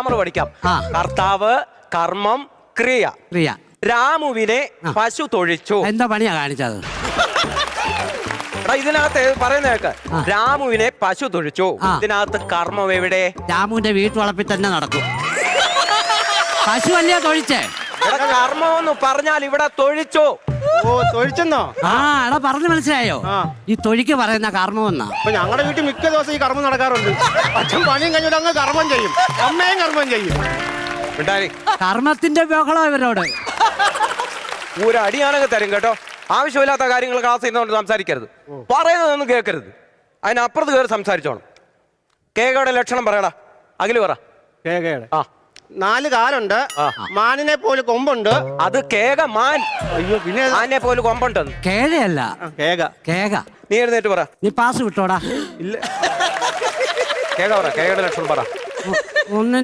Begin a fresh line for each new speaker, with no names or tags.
പഠിക്കാം. കർത്താവ്, കർമ്മം, ക്രിയ.
ക്രിയ.
രാമുവിനെ പശു തൊഴിച്ചു.
എന്താ പണിയാ കാണിച്ചത്?
ഇതിനകത്ത് പറയുന്ന കേക്ക്, രാമുവിനെ പശു തൊഴിച്ചു. ഇതിനകത്ത് കർമ്മം എവിടെ?
രാമുവിന്റെ വീട്ടുവളപ്പിൽ തന്നെ നടക്കും. പശു അല്ലയോ തൊഴിച്ചേ?
കർമ്മം എന്ന് പറഞ്ഞാൽ ഇവിടെ തൊഴിച്ചു.
ഓ, തൊഴിച്ചെന്നോ?
എടാ പറഞ്ഞു മനസ്സിലായോ? ഈ തൊഴിക്ക് പറയുന്ന കർമ്മം എന്നാ.
അപ്പൊ ഞങ്ങളുടെ വീട്ടിൽ മിക്ക ദിവസം ഈ കർമ്മം നടക്കാറുണ്ട്. അച്ഛൻ പണിയും കഴിഞ്ഞിട്ട് അങ്ങ് കർമ്മം ചെയ്യും, അമ്മയും കർമ്മം ചെയ്യും.
കർമ്മത്തിന്റെ ബഹളം ഇവരോട്.
ഒരു അടിയാണെങ്കിൽ തരും കേട്ടോ. ആവശ്യമില്ലാത്ത കാര്യങ്ങൾ ക്ലാസ് ചെയ്യുന്നതുകൊണ്ട് സംസാരിക്കരുത്. പറയുന്നതൊന്നും കേൾക്കരുത്. അതിനപ്പുറത്ത് കയറി സംസാരിച്ചോണം. കേകയുടെ ലക്ഷണം പറയടാ. അഖില് പറ.
കേകയുടെ 4 കാലുണ്ട്, മാനിനെ പോലെ കൊമ്പുണ്ട്.
അത് കേക മാൻ.
അയ്യോ, പിന്നെ
മാനിനെ പോലെ കൊമ്പുണ്ടെന്ന്.
കേഴയല്ല,
കേക.
കേക.
നീ എഴുന്നേറ്റ് പറ.
നീ പാസ് വിട്ടോടാ.
ഇല്ല,
കേക പറ. കേകയുടെ ലക്ഷണം പറ.
ഒന്ന്